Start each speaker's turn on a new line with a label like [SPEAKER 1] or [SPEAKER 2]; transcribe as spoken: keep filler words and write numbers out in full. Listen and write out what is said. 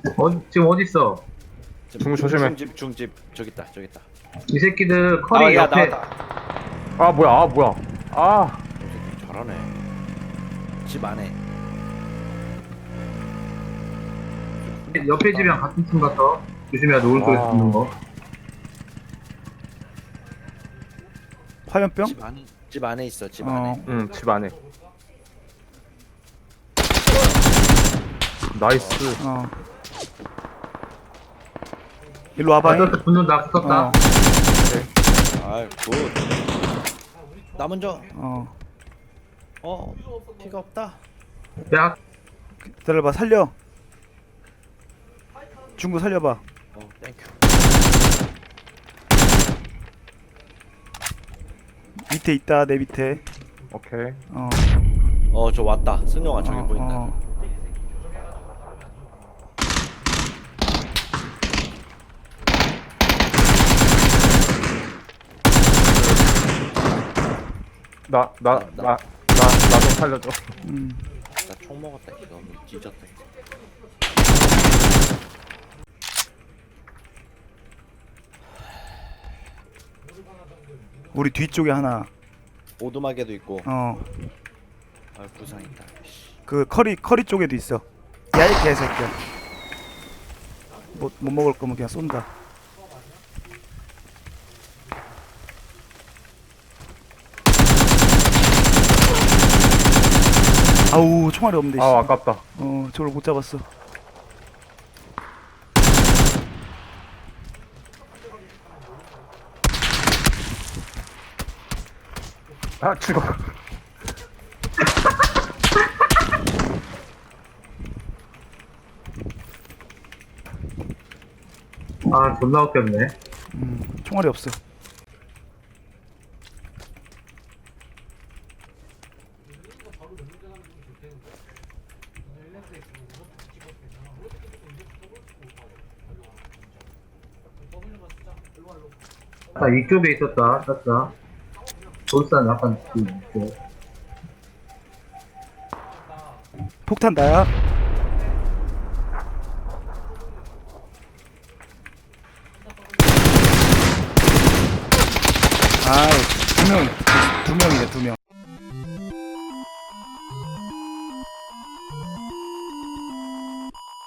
[SPEAKER 1] 어, 지금 어디 있어?
[SPEAKER 2] 중 조심해.
[SPEAKER 3] 중집 중집 저기 있다 저기 있다.
[SPEAKER 1] 이 새끼들 커리
[SPEAKER 3] 아, 야,
[SPEAKER 1] 옆에
[SPEAKER 3] 나왔다.
[SPEAKER 2] 아 뭐야 아 뭐야 아
[SPEAKER 3] 이 새끼 잘하네. 집 안에.
[SPEAKER 1] 옆에 집이랑 같은 팀 같아. 조심해야 돼. 오른쪽에서
[SPEAKER 2] 아.
[SPEAKER 1] 붙는 거.
[SPEAKER 4] 화염병?
[SPEAKER 3] 집 안에 집 안에 있어 집
[SPEAKER 4] 어.
[SPEAKER 3] 안에.
[SPEAKER 2] 응 집 안에 나이스.
[SPEAKER 4] 어. 일로
[SPEAKER 1] 아,
[SPEAKER 4] 와봐.
[SPEAKER 1] 떴다. 붙는다. 붙었다.
[SPEAKER 4] 어.
[SPEAKER 3] 아이 굿. 나 먼저.
[SPEAKER 4] 어.
[SPEAKER 3] 어 피가 없다.
[SPEAKER 1] 야,
[SPEAKER 4] 기다려봐. 살려. 중구 살려봐.
[SPEAKER 3] 어 땡큐.
[SPEAKER 4] 밑에 있다. 내 밑에.
[SPEAKER 2] 오케이.
[SPEAKER 4] 어.
[SPEAKER 3] 어 저 왔다. 승용아 저기
[SPEAKER 4] 어,
[SPEAKER 3] 보인다.
[SPEAKER 4] 어.
[SPEAKER 2] 나 나
[SPEAKER 3] 나-
[SPEAKER 2] 나 나 나 좀 살려줘.
[SPEAKER 4] 음.
[SPEAKER 3] 나 총 먹었다 이거 뭐 뒤졌다. 이거.
[SPEAKER 4] 우리 뒤쪽에 하나.
[SPEAKER 3] 오두막에도 있고.
[SPEAKER 4] 어.
[SPEAKER 3] 아 부상 있다. 씨.
[SPEAKER 4] 그 커리 커리 쪽에도 있어. 야 이 개새끼야. 못, 못 먹을 거면 그냥 쏜다. 아우 총알이 없는데.
[SPEAKER 2] 아
[SPEAKER 4] 씨.
[SPEAKER 2] 아깝다.
[SPEAKER 4] 어 저걸 못 잡았어.
[SPEAKER 2] 아 죽어.
[SPEAKER 1] 아, 존나 웃겼네.
[SPEAKER 4] 음, 총알이 없어.
[SPEAKER 1] 아, 이쪽에 있었다. 땄다. 돌산 약간 그, 이쪽.
[SPEAKER 4] 폭탄 나야. 아, 두 명, 두 명이네, 두 명.